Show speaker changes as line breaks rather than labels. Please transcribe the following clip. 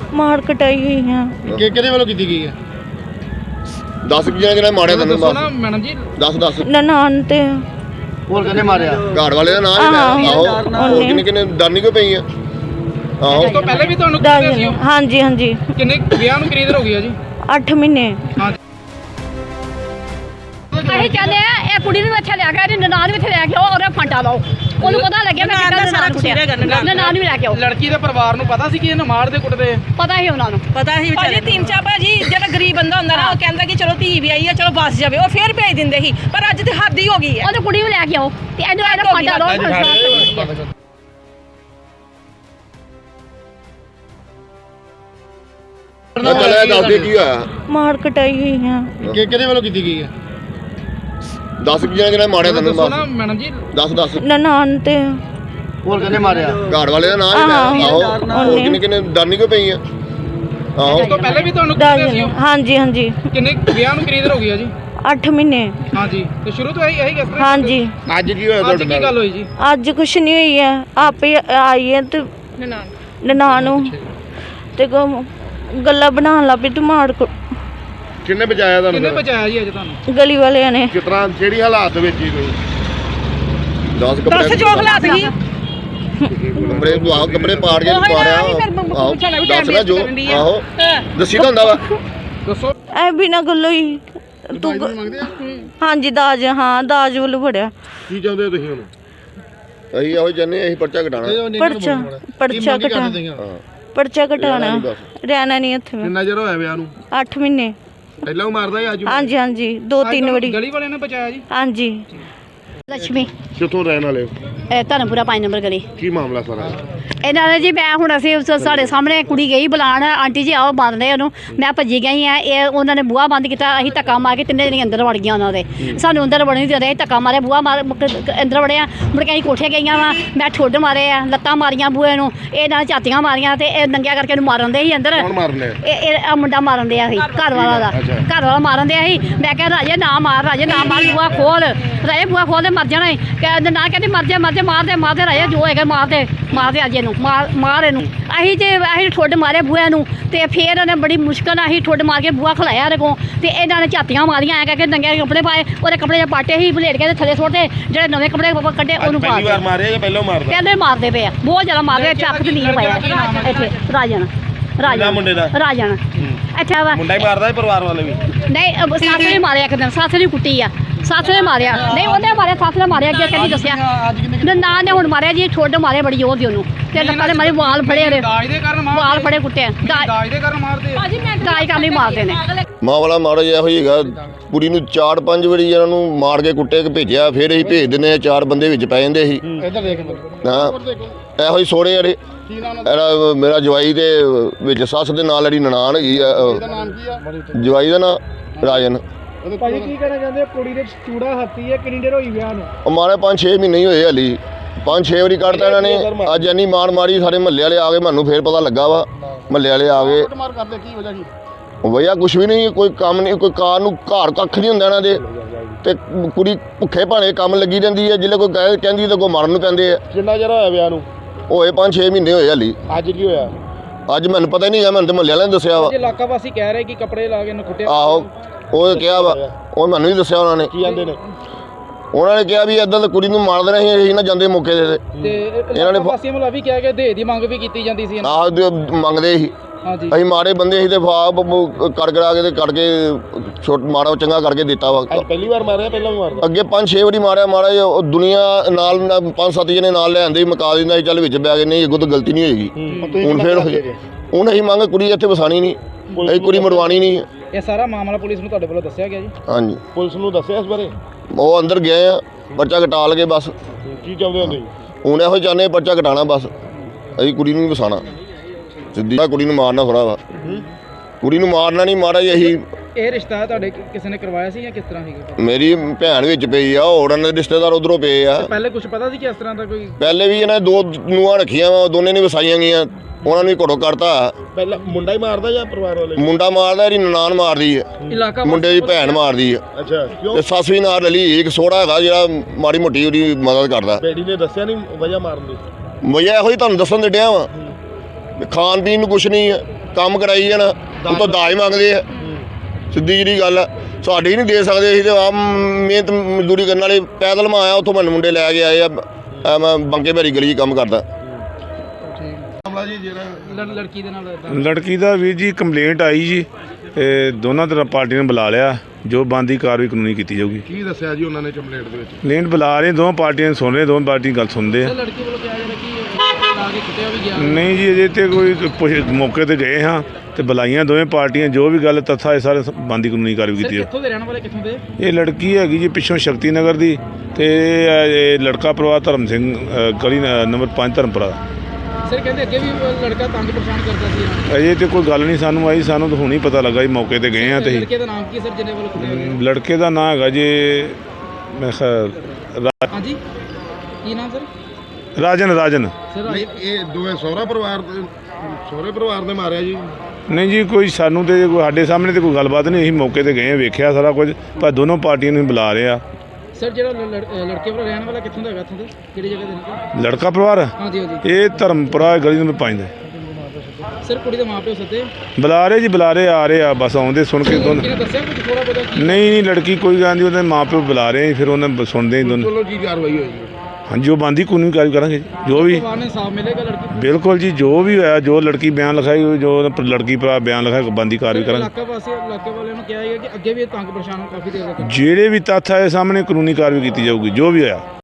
ਮਾਰ ਕਟਾਈ ਹੋਈ ਹੈ
ਕਿਹਦੇ ਵੱਲੋਂ ਕੀਤੀ ਗਈ ਹੈ? 10 ਜਿਹੜਾ ਮਾਰਿਆ ਤੈਨੂੰ ਮੈਡਮ ਜੀ 10
ਨਨਾਣ ਤੇ
ਹੋਰ ਕਿਹਨੇ ਮਾਰਿਆ? ਘਾੜ ਵਾਲੇ ਦਾ ਨਾਮ ਹੀ ਆਹੋ ਹੋਰ ਕਿੰਨੇ ਡਰਨੀ ਕਿਉਂ ਪਈ ਆ? ਆਹੋ
ਇਸ ਤੋਂ ਪਹਿਲੇ ਵੀ ਤੁਹਾਨੂੰ
ਹਾਂਜੀ ਹਾਂਜੀ
ਕਿੰਨੇ ਵਿਆਹ ਨੂੰ ਕਿੰਨੀ ਦੇਰ ਹੋ ਗਈ ਆ ਜੀ?
8 ਮਹੀਨੇ
ਅਸੀਂ ਕਹਿੰਦੇ ਆ ਇਹ ਕੁੜੀ ਨੂੰ ਇੱਥੇ ਲੈ ਕੇ ਇਹਦੀ ਨਨਾਣ ਵੀ ਇੱਥੇ ਲੈ ਕੇ ਆਓ ਔਰ ਫਾਂਟਾ ਲਾਓ ਉਹਨੂੰ ਪਤਾ ਲੱਗਿਆ ਮੈਂ ਕਿੱਦਾਂ ਨਨਾਣ ਕੁੱਟਿਆ ਨਨਾਣ ਵੀ ਲੈ ਕੇ ਆਓ।
ਲੜਕੀ ਦੇ ਪਰਿਵਾਰ ਨੂੰ ਪਤਾ ਸੀ ਕਿ ਇਹਨੂੰ ਮਾਰਦੇ ਕੁੱਟਦੇ?
ਪਤਾ ਹੀ ਉਹਨਾਂ ਨੂੰ
ਪਤਾ ਹੀ ਭਾਜੀ ਟੀਮਚਾ ਭਾਜੀ ਜਿਹੜਾ ਗਰੀਬ ਬੰਦਾ ਹੁੰਦਾ ਨਾ ਉਹ ਕਹਿੰਦਾ ਕਿ ਚਲੋ ਧੀ ਵੀ ਆਈ ਆ ਚਲੋ ਬਸ ਜਾਵੇ ਉਹ ਫੇਰ ਭੇਜ ਦਿੰਦੇ ਸੀ ਪਰ ਅੱਜ ਤੇ ਹੱਦ ਹੀ ਹੋ ਗਈ ਹੈ।
ਉਹਨੂੰ ਕੁੜੀ ਨੂੰ ਲੈ ਕੇ ਆਓ ਤੇ ਇਹਨੂੰ ਫਾਂਟਾ ਲਾਓ।
ਚੱਲਿਆ ਦੱਸਦੇ ਕੀ ਹੋਇਆ?
ਮਾਰ ਕਟਾਈ ਹੋਈ ਹੈ
ਕਿਹਦੇ ਵੱਲੋਂ ਕੀਤੀ ਗਈ ਹੈ? 10 ਜਿਹੜਾ ਮਾਰਿਆ ਤੈਨੂੰ
ਮੈਡਮ ਜੀ
10
ਨਨਾਣ ਤੇ
ਹੋਰ ਕਿਹਨੇ ਮਾਰਿਆ? ਘਾੜ ਵਾਲੇ ਦਾ ਨਾਮ ਹੀ ਆਹੋ ਹੋਰ ਕਿੰਨੇ ਡਰਨੀ ਕਿਉਂ ਪਈ ਆ? ਆਹੋ
ਇਸ ਤੋਂ ਪਹਿਲੇ ਵੀ ਤੁਹਾਨੂੰ
ਹਾਂਜੀ ਹਾਂਜੀ
ਕਿੰਨੇ ਵਿਆਹ ਨੂੰ ਕਿੰਨੀ ਦੇਰ ਹੋ ਗਈ ਆ ਜੀ?
8 ਮਹੀਨੇ
ਹਾਂਜੀ ਤੇ ਸ਼ੁਰੂ ਤੋਂ ਇਹੀ ਕਿਸ ਤਰ੍ਹਾਂ?
ਹਾਂਜੀ
ਅੱਜ ਕੀ ਹੋਇਆ
ਅੱਜ ਕੀ ਗੱਲ ਹੋਈ ਜੀ?
ਅੱਜ ਕੁਛ ਨਹੀਂ ਹੋਈ ਹੈ ਆਪੇ ਆਈ ਹੈ ਤੇ ਨਨਾਣ ਨੂੰ ਤੇ ਗੱਲਾਂ ਬਣਾਉਣ ਲੱਗ ਪਈ ਤੇ ਮਾਰ
ਕਿੰਨੇ ਬਚਾਇਆ ਤੁਹਾਨੂੰ?
ਕਿੰਨੇ ਬਚਾਇਆ ਜੀ ਅੱਜ ਤੁਹਾਨੂੰ?
ਗਲੀ ਵਾਲਿਆਂ ਨੇ।
ਕਿਸ ਤਰ੍ਹਾਂ ਕਿਹੜੀ ਹਾਲਾਤ ਵਿੱਚ ਹੀ ਤੁਸੀਂ 10
ਦੱਸ ਜੋ ਹਾਲਾਤ ਸੀ
ਕੱਪੜੇ ਪਾੜ ਕੇ ਮਾਰਿਆ ਆਹੋ ਦੱਸ ਨਾ ਜੋ ਆਹੋ ਦੱਸੀ ਤਾਂ ਹੁੰਦਾ ਵਾ
ਦੱਸੋ
ਐ ਬਿਨਾਂ ਗੱਲੋਂ ਹੀ ਤੂੰ ਹਾਂਜੀ ਦਾਜ ਹਾਂ ਦਾਜ ਵੱਲੋਂ ਫੜਿਆ।
ਕੀ ਚਾਹੁੰਦੇ ਹੋ ਤੁਸੀਂ ਹੁਣ? ਅਸੀਂ ਇਹੋ ਚਾਹੁੰਦੇ ਅਸੀਂ ਪਰਚਾ ਘਟਾਣਾ
ਪਰਚਾ ਘਟਾਣਾ ਰਹਿਣਾ ਨਹੀਂ ਇੱਥੇ।
ਕਿੰਨਾ ਚਿਰ ਹੋਇਆ ਵਿਆਹ ਨੂੰ?
8 ਮਹੀਨੇ
ਪਹਿਲਾਂ ਉਹ ਮਾਰਦਾ ਸੀ ਅੱਜ?
ਹਾਂਜੀ ਹਾਂਜੀ 2-3 ਵਾਰੀ
ਗਲੀ ਵਾਲਿਆਂ ਨੇ ਬਚਾਇਆ ਜੀ?
ਹਾਂਜੀ।
ਲక్ష్ਮੀ
ਕਿੱਥੋਂ ਰਹਿਣ ਵਾਲੇ ਹੋ?
ਧਰਮਪੁਰਾ 5 ਨੰਬਰ ਗਲੀ।
ਕੀ ਮਾਮਲਾ ਸਾਰਾ?
ਇਹਨਾਂ ਨੇ ਜੀ ਮੈਂ ਹੁਣ ਅਸੀਂ ਸਾਡੇ ਸਾਹਮਣੇ ਕੁੜੀ ਗਈ ਬੁਲਾਉਣ ਆਂਟੀ ਜੀ ਆਓ ਬੰਦਦੇ ਉਹਨੂੰ ਮੈਂ ਭੱਜੀ ਗਈ ਆ ਇਹ ਉਹਨਾਂ ਨੇ ਬੂਹਾ ਬੰਦ ਕੀਤਾ ਅਸੀਂ ਧੱਕਾ ਮਾਰ ਕੇ ਤਿੰਨੇ ਜਣੇ ਅੰਦਰ ਵੜ ਗਈਆਂ ਉਹਨਾਂ ਦੇ ਸਾਨੂੰ ਅੰਦਰ ਵੜਨ ਨਹੀਂ ਦਿੰਦੇ ਧੱਕਾ ਮਾਰੇ ਬੂਹਾ ਮਾਰ ਅੰਦਰ ਵੜਿਆ ਮੁੜ ਕੇ ਅਸੀਂ ਕੋਠੇ ਗਈਆਂ ਵਾ ਮੈਂ ਠੁੱਡ ਮਾਰੇ ਆ ਲੱਤਾਂ ਮਾਰੀਆਂ ਬੂਹੇ ਨੂੰ ਇਹ ਨਾਲ ਝਾਤੀਆਂ ਮਾਰੀਆਂ ਤੇ ਇਹ ਨੰਗਿਆ ਕਰਕੇ ਇਹਨੂੰ ਮਾਰਨ ਦੇ ਸੀ ਅੰਦਰ।
ਕੌਣ ਮਾਰਨੇ?
ਇਹ ਮੁੰਡਾ ਮਾਰਨ ਦਿਆ ਸੀ ਘਰ ਵਾਲਾ ਦਾ ਘਰ ਵਾਲਾ ਮਾਰਨ ਦਿਆ ਸੀ। ਮੈਂ ਕਿਹਾ ਰਾਜੇ ਨਾ ਮਾਰ ਬੂਹਾ ਖੋਲ ਰਾਜੇ ਬੂਹਾ ਖੋਲ ਦੇ ਮਰ ਜਾਣਾ ਕਹਿੰਦੇ ਨਾ ਕਹਿੰਦੇ ਮਰ ਜਾ ਮਾਰਦੇ ਰਾਜੇ ਜੋ ਹੈਗਾ ਮਾਰਦੇ ਅੱਜ ਇਹਨੂੰ ਮਾਰ ਇਹਨੂੰ। ਅਸੀਂ ਠੁੱਡ ਮਾਰੇ ਬੂਹੇ ਨੂੰ ਤੇ ਫਿਰ ਉਹਨੇ ਬੜੀ ਮੁਸ਼ਕਲ ਨਾਲ ਅਸੀਂ ਠੁੱਡ ਮਾਰ ਕੇ ਬੂਹਾ ਖਲਾਇਆ ਇਹਦੇ ਕੋਲ ਤੇ ਇਹਨਾਂ ਨੇ ਝਾਤੀਆਂ ਮਾਰੀਆਂ ਐ ਕਰਕੇ ਨੰਗੇ ਕੱਪੜੇ ਪਾਏ ਉਹਦੇ ਕੱਪੜੇ ਪਾਟੇ ਹੀ ਭਲੇਟ ਕੇ ਥੱਲੇ ਸੁੱਟਦੇ ਜਿਹੜੇ ਨਵੇਂ ਕੱਪੜੇ ਕੱਢੇ ਉਹਨੂੰ ਪਾ
ਪਹਿਲੀ ਵਾਰ ਮਾਰੇ ਜਾਂ ਪਹਿਲਾਂ ਮਾਰਦੇ?
ਪਹਿਲੇ ਮਾਰਦੇ ਪਏ ਆ ਬਹੁਤ ਜ਼ਿਆਦਾ ਮਾਰਦੇ ਚੱਕ ਤੇ ਨਹੀਂ ਪਾਇਆ ਇੱਥੇ ਰਾਜਨ
ਮੁੰਡੇ ਦਾ
ਰਾਜਨ ਅੱਛਾ ਵਾ
ਮੁੰਡਾ ਹੀ ਮਾਰਦਾ ਪਰਿਵਾਰ ਵਾਲੇ ਵੀ?
ਨਹੀਂ ਸੱਸ ਨੇ ਮਾਰਿਆ ਇੱਕ ਦਿਨ ਸੱਸ ਨੇ ਕੁੱਟੀ ਆ ਸੱਸ ਨੇ ਮਾਰਿਆ ਨਹੀਂ ਉਹਨੇ ਮਾਰਿਆ ਸੱਸ ਨੇ ਮਾਰਿਆ ਅੱਗੇ ਕਹਿੰਦੀ ਦੱਸਿਆ ਨਾ ਨੇ ਹੁਣ ਮਾਰਿਆ ਜੀ ਠੁੱਡ ਮਾਰੇ ਬੜੀ ਜ਼ੋਰ ਦੀ ਉਹਨੂੰ ਤੇ ਲੱਤਾਂ ਦੇ ਮਾਰੇ ਵਾਲ ਫੜੇ ਉਹਦੇ ਵਾਲ ਫੜੇ ਕੁੱਟੇ
ਦਾਜ ਦੇ ਕਾਰਨ ਮਾਰਦੇ
ਦਾਜ ਕਰਨ ਲਈ ਮਾਰਦੇ ਨੇ।
ਮਾਂ ਵਾਲਾ ਮਾੜਾ ਜਿਹਾ ਇਹੋ ਹੀ ਹੈਗਾ ਕੁੜੀ ਨੂੰ 4-5 ਵਾਰੀ ਇਹਨਾਂ ਨੂੰ ਮਾਰ ਕੇ ਕੁੱਟੇ ਕੇ ਭੇਜਿਆ ਫਿਰ ਅਸੀਂ ਭੇਜ ਦਿੰਦੇ ਆ 4 ਬੰਦੇ ਵਿੱਚ ਪੈ ਜਾਂਦੇ ਸੀ। ਹਾਂ ਇਹੋ ਹੀ ਸੋੜੇ ਯਾਰੇ ਇਹਦਾ ਮੇਰਾ ਜਵਾਈ ਦੇ ਵਿੱਚ ਸੱਸ ਦੇ ਨਾਲ ਜਿਹੜੀ ਨਨਾਣ ਹੈਗੀ ਆ ਜਵਾਈ ਦਾ ਨਾਂ ਰਾਜਨ।
ਭਾਜੀ ਕੀ ਕਹਿਣਾ ਚਾਹੁੰਦੇ ਕੁੜੀ ਦੇ ਚੂੜਾ ਹੱਥੀ ਹੈ ਕਿੰਨੀ ਦੇਰ ਹੋਈ ਵਿਆਹ ਨੂੰ?
ਉਹ ਮਾਰੇ 5-6 ਮਹੀਨੇ ਹੀ ਹੋਏ ਹਲੀ 5-6 ਵਾਰੀ ਕੱਢਤਾ ਇਹਨਾਂ ਨੇ ਅੱਜ ਇੰਨੀ ਮਾਰ ਮਾਰੀ ਸਾਰੇ ਮਹੱਲੇ ਵਾਲੇ ਆ ਗਏ ਮੈਨੂੰ ਫੇਰ ਪਤਾ ਲੱਗਾ ਵਾ ਮਹੱਲੇ ਵਾਲੇ ਆ ਗਏ। ਵਜ੍ਹਾ ਕੁਛ ਵੀ ਨਹੀਂ ਕੋਈ ਕੰਮ ਨਹੀਂ ਕੋਈ ਕਾਰ ਨੂੰ ਘਰ ਕੱਖ ਨਹੀਂ ਹੁੰਦਾ ਇਹਨਾਂ ਦੇ ਤੇ ਕੁੜੀ ਭੁੱਖੇ ਭਾਣੇ ਕੰਮ ਲੱਗੀ ਰਹਿੰਦੀ ਹੈ ਜਿੱਲੇ ਕੋਈ ਕਹਿੰਦੀ ਤਾਂ ਕੋਈ ਮਾਰਨ ਨੂੰ ਪੈਂਦੇ ਆ। ਕਿੰਨਾ ਚਿਰ ਹੋਇਆ ਵਿਆਹ ਨੂੰ? ਹੋਏ 5-6 ਮਹੀਨੇ ਹੋਏ ਹਲੀ। ਅੱਜ ਕੀ ਹੋਇਆ? ਅੱਜ ਮੈਨੂੰ ਪਤਾ ਹੀ ਨਹੀਂ ਹੈ ਮੈਨੂੰ ਤਾਂ ਮਹੱਲੇ ਵਾਲਿਆਂ ਨੇ ਦੱਸਿਆ ਵਾ।
ਇਲਾਕਾ ਵਾਸੀ ਕਹਿ ਰਹੇ ਕਿ ਕੱਪੜੇ ਲਾ ਕੇ ਇਹਨੂੰ ਕੁੱਟਿਆ।
ਆਹੋ ਉਹ ਕਿਹਾ ਵਾ ਉਹ ਮੈਨੂੰ ਨਹੀਂ ਦੱਸਿਆ ਉਹਨਾਂ ਨੇ। ਕੀ ਕਹਿੰਦੇ ਨੇ? ਉਹਨਾਂ ਨੇ ਕਿਹਾ ਵੀ ਇਦਾਂ ਤਾਂ ਕੁੜੀ ਨੂੰ ਮਾਰ ਦੇਣਾ ਸੀ ਅਸੀਂ ਨਾ ਜਾਂਦੇ ਮੌਕੇ ਤੇ
ਇਹਨਾਂ ਨੇ ਵਾਸੀਆਂ ਵੱਲੋਂ ਵੀ ਕਿਹਾ ਕਿ ਦੇ ਦੀ ਮੰਗ ਵੀ ਕੀਤੀ ਜਾਂਦੀ ਸੀ।
ਆਹ ਮੰਗਦੇ ਸੀ ਅਸੀਂ ਮਾੜੇ ਬੰਦੇ ਸੀ ਤੇ ਫਾਬ ਕਰਾ ਕੇ ਤੇ ਕੱਢ ਕੇ ਛੋਟ ਮਾੜਾ ਚੰਗਾ ਕਰਕੇ ਦਿੱਤਾ ਵਾ। ਪਹਿਲੀ ਵਾਰ ਮਾਰਿਆ ਪਹਿਲਾਂ ਵੀ ਮਾਰਿਆ ਅੱਗੇ 5-6 ਵਾਰੀ ਮਾਰਿਆ ਮਾੜਾ ਉਹ ਦੁਨੀਆ ਨਾਲ 5-7 ਜਣੇ ਨਾਲ ਲੈ ਆਂਦੇ ਮਕਾ ਦਿੰਦਾ ਸੀ ਚੱਲ ਵਿੱਚ ਬੈ ਗਏ ਨਹੀਂ ਅੱਗੋਂ ਤਾਂ ਗਲਤੀ ਨਹੀਂ ਹੋਏਗੀ। ਹੁਣ ਫਿਰ ਹੁਣ ਅਸੀਂ ਮੰਗ ਕੁੜੀ ਇੱਥੇ ਵਸਾਣੀ ਨਹੀਂ ਅਸੀਂ ਕੁੜੀ ਮਰਵਾਣੀ ਨਹੀਂ।
ਇਹ ਸਾਰਾ ਮਾਮਲਾ ਪੁਲਿਸ ਨੂੰ ਤੁਹਾਡੇ ਵੱਲੋਂ ਦੱਸਿਆ ਗਿਆ ਜੀ?
ਹਾਂਜੀ ਪੁਲਿਸ ਨੂੰ ਦੱਸਿਆ ਇਸ ਬਾਰੇ? ਉਹ ਅੰਦਰ ਗਏ ਆ ਪਰਚਾ ਘਟਾ ਲਗੇ ਬਸ। ਕੀ ਚਾਹੁੰਦੇ ਹੋ ਤੁਸੀਂ ਹੁਣ? ਇਹੋ ਚਾਹੁੰਦੇ ਪਰਚਾ ਘਟਾਣਾ ਬਸ ਅਸੀਂ ਕੁੜੀ ਨੂੰ ਨਹੀਂ ਵਸਾਣਾ ਸਿੱਧੀ ਕੁੜੀ ਨੂੰ ਮਾਰਨਾ ਥੋੜਾ ਵਾ ਕੁੜੀ ਨੂੰ ਮਾਰਨਾ ਨਹੀਂ ਮਾਰਾ ਜੀ। ਅਸੀਂ
ਇਹ ਰਿਸ਼ਤਾ ਤੁਹਾਡੇ ਕਿਸੇ ਨੇ ਕਰਵਾਇਆ ਸੀ ਜਾਂ ਕਿਸ ਤਰ੍ਹਾਂ ਸੀਗਾ?
ਮੇਰੀ ਭੈਣ ਵਿੱਚ ਪਈ ਆ ਹੋਰਾਂ ਦੇ ਰਿਸ਼ਤੇਦਾਰ ਉਧਰੋਂ ਪਏ ਆ।
ਪਹਿਲੇ ਕੁਝ ਪਤਾ ਸੀ ਕਿ ਇਸ ਤਰ੍ਹਾਂ ਦਾ ਕੋਈ? ਪਹਿਲੇ
ਵੀ ਇਹਨਾਂ 2 ਨੂੰਹਾਂ ਰੱਖੀਆਂ ਵਾ ਦੋਨੇ ਨੇ ਵਸਾਈਆਂ ਗਈਆਂ ਉਹਨਾਂ ਨੂੰ ਘੜੋ ਕਰਤਾ।
ਪਹਿਲਾਂ ਮੁੰਡਾ ਹੀ ਮਾਰਦਾ ਜਾਂ ਪਰਿਵਾਰ ਵਾਲੇ?
ਮੁੰਡਾ ਮਾਰਦਾ ਇਹਦੀ ਨਨਾਣ ਮਾਰਦੀ ਹੈ ਮੁੰਡੇ ਦੀ ਭੈਣ ਮਾਰਦੀ ਹੈ।
ਅੱਛਾ ਕਿਉਂ?
ਤੇ ਸੱਸ ਵੀ ਨਾਲ ਰਲੀ ਇੱਕ ਸੋੜਾ ਹੈਗਾ ਜਿਹੜਾ ਮਾੜੀ ਮੋਟੀ ਉਹਦੀ ਮਦਦ ਕਰਦਾ।
ਬੇੜੀ ਨੇ ਦੱਸਿਆ ਨਹੀਂ ਵਜ੍ਹਾ ਮਾਰਨ ਦੀ?
ਵਜ੍ਹਾ ਇਹੋ ਹੀ ਤੁਹਾਨੂੰ ਦੱਸਣ ਦੇ ਡਿਆ ਵਾ ਖਾਣ ਪੀਣ ਨੂੰ ਕੁਛ ਨਹੀਂ ਹੈ, ਕੰਮ ਕਰਾਈ ਜਾਣਾ, ਉਤੋਂ ਦਾਜ ਮੰਗਦੇ ਆ। ਸਿੱਧੀ ਜਿਹੜੀ ਗੱਲ ਆ, ਸਾਡੀ ਨਹੀਂ ਦੇ ਸਕਦੇ। ਅਸੀਂ ਤਾਂ ਆਪ ਮਿਹਨਤ ਮਜ਼ਦੂਰੀ ਕਰਨ ਵਾਲੇ, ਪੈਦਲ ਮੈਂ ਆਇਆ ਉੱਥੋਂ ਮੈਨੂੰ ਮੁੰਡੇ ਲੈ ਕੇ ਆਏ ਆ। ਮੈਂ ਬੰਕੇ ਭੈਰੀ ਗਲੀ 'ਚ ਕੰਮ ਕਰਦਾ।
ਲੜਕੀ ਦੇ ਨਾਲ
ਲੜਕੀ ਦਾ ਵੀਰ ਜੀ ਕੰਪਲੇਂਟ ਆਈ ਜੀ, ਦੋਨਾਂ ਤਰ੍ਹਾਂ ਪਾਰਟੀਆਂ ਨੇ ਬੁਲਾ ਲਿਆ, ਜੋ ਬਣਦੀ ਕਾਰਵਾਈ ਕਾਨੂੰਨੀ ਕੀਤੀ ਜਾਊਗੀ।
ਕੀ ਦੱਸਿਆ ਜੀ ਉਹਨਾਂ ਨੇ ਕੰਪਲੇਂਟ ਦੇ ਵਿੱਚ?
ਕੰਪਲੇਂਟ ਬੁਲਾ ਰਹੇ, ਦੋਵਾਂ ਪਾਰਟੀਆਂ ਸੁਣ ਰਹੇ, ਦੋਵਾਂ ਪਾਰਟੀ ਗੱਲ ਸੁਣਦੇ ਆ।
ਲੜਕੀ ਵੱਲੋਂ ਕਿਹਾ ਜਾ ਰਿਹਾ ਕਿ ਲਾ ਕੇ ਕੁੱਟਿਆ ਵੀ ਗਿਆ।
ਨਹੀਂ ਜੀ, ਅਜੇ ਤੇ ਕੋਈ ਮੌਕੇ ਤੇ ਗਏ ਹਾਂ ਤੇ ਬੁਲਾਈਆਂ ਦੋਵੇਂ ਪਾਰਟੀਆਂ, ਜੋ ਵੀ ਗੱਲ ਤੱਥਾ ਇਹ ਸਾਰੇ ਬਣਦੀ ਕਾਨੂੰਨੀ ਕਾਰਵਾਈ ਕੀਤੀ
ਕਿੱਥੋਂ ਦੇ ਰਹਿਣ ਵਾਲੇ, ਕਿੱਥੋਂ ਦੇ?
ਇਹ ਲੜਕੀ ਹੈਗੀ ਜੀ ਪਿੱਛੋਂ ਸ਼ਕਤੀ ਨਗਰ ਦੀ, ਤੇ ਇਹ ਲੜਕਾ ਪਰਿਵਾਰ ਧਰਮ ਸਿੰਘ ਗਲੀ ਨੰਬਰ 5 ਧਰਮਪੁਰਾ।
ਸਰ ਕਹਿੰਦੇ ਅੱਗੇ ਵੀ ਲੜਕਾ ਤੰਗ ਪਰੇਸ਼ਾਨ ਕਰਦਾ ਸੀ।
ਅਜੇ ਤੇ ਕੋਈ ਗੱਲ ਨਹੀਂ ਸਾਨੂੰ ਆਈ, ਸਾਨੂੰ ਤਾਂ ਹੁਣ ਹੀ ਪਤਾ ਲੱਗਾ ਜੀ, ਮੌਕੇ ਤੇ ਗਏ ਹਾਂ ਤੇ
ਲੜਕੇ ਦਾ ਨਾਮ ਕੀ ਸਰ ਜਿਹਨੇ ਵੱਲੋਂ ਕੁੱਟਿਆ ਗਿਆ?
ਲੜਕੇ ਦਾ ਨਾਂ ਹੈਗਾ ਜੀ ਮੈਂ
ਹਾਂਜੀ, ਕੀ ਨਾਮ ਸਰ?
ਰਾਜਨ।
ਸਰ
ਨਹੀਂ, ਇਹ ਦੋਵੇਂ ਸਹੁਰੇ ਪਰਿਵਾਰ ਨੇ ਮਾਰਿਆ ਜੀ?
ਨਹੀਂ ਜੀ, ਕੋਈ ਸਾਨੂੰ ਤੇ ਕੋਈ ਸਾਡੇ ਸਾਹਮਣੇ ਤੇ ਕੋਈ ਗੱਲਬਾਤ ਨਹੀਂ, ਅਸੀਂ ਮੌਕੇ ਤੇ ਗਏ, ਵੇਖਿਆ ਸਾਰਾ ਕੁਝ, ਪਰ ਦੋਨੋਂ ਪਾਰਟੀਆਂ ਨੂੰ ਬੁਲਾ ਰਹੇ ਆ।
ਸਰ ਜਿਹੜਾ ਲੜਕੇ ਵੱਲੋਂ ਰਹਿਣ ਵਾਲਾ ਕਿੱਥੋਂ ਦਾ ਹੈਗਾ, ਇੱਥੋਂ ਦੇ ਕਿਹੜੀ ਜਗ੍ਹਾ ਦੇ ਨੇ?
ਲੜਕਾ ਪਰਿਵਾਰ
ਹਾਂਜੀ ਹਾਂਜੀ।
ਇਹ ਧਰਮਪੁਰਾ ਗਲੀ ਨੰਬਰ 5 ਦਾ।
ਸਰ ਕੁੜੀ ਦੇ ਮਾਪਿਓ ਸੱਦੇ
ਬੁਲਾ ਰਹੇ ਜੀ, ਬੁਲਾ ਰਹੇ, ਆ ਰਹੇ ਆ, ਬਸ ਆਉਂਦੇ ਸੁਣ ਕੇ ਦੋਨੋਂ।
ਕਿਹਨੇ ਦੱਸਿਆ ਕੁਝ ਥੋੜਾ ਬਹੁਤਾ ਕੀ?
ਨਹੀਂ ਲੜਕੀ ਕੋਈ ਗੱਲ ਨਹੀਂ, ਉਹਦੇ ਮਾਂ ਪਿਓ ਬੁਲਾ ਰਹੇ, ਫਿਰ ਉਹਨਾਂ ਸੁਣਦੇ ਹੀ ਦੋਨੋਂ।
ਚਲੋ ਕੀ ਕਾਰਵਾਈ ਹੋਏਗੀ?
ਹਾਂਜੀ, ਉਹ ਬਣਦੀ ਕਾਨੂੰਨੀ ਕਾਰਵਾਈ ਕਰਾਂਗੇ ਜੀ, ਜੋ ਵੀ।
ਪਰਿਵਾਰ ਨੇ ਇਨਸਾਫ ਮਿਲੇਗਾ ਲੜਕੀ ਨੂੰ?
ਬਿਲਕੁਲ ਜੀ, ਜੋ ਵੀ ਹੋਇਆ, ਜੋ ਲੜਕੀ ਬਿਆਨ ਲਿਖਾਈ, ਜੋ ਲੜਕੀ ਭਰਾ ਬਿਆਨ ਲਿਖਾਇਆ, ਬਣਦੀ ਕਾਰਵਾਈ ਕਰਾਂਗੇ।
ਇਲਾਕੇ ਵਾਲਿਆਂ ਨੂੰ ਕਿਹਾ ਹੈ ਕਿ ਅੱਗੇ ਵੀ ਇਹ ਤੰਗ ਪਰੇਸ਼ਾਨ ਕਾਫੀ ਦੇਰ ਤੱਕ।
ਜਿਹੜੇ ਵੀ ਤੱਥ ਆਏ ਸਾਹਮਣੇ, ਕਾਨੂੰਨੀ ਕਾਰਵਾਈ ਕੀਤੀ ਜਾਊਗੀ, ਜੋ ਵੀ ਹੋਇਆ।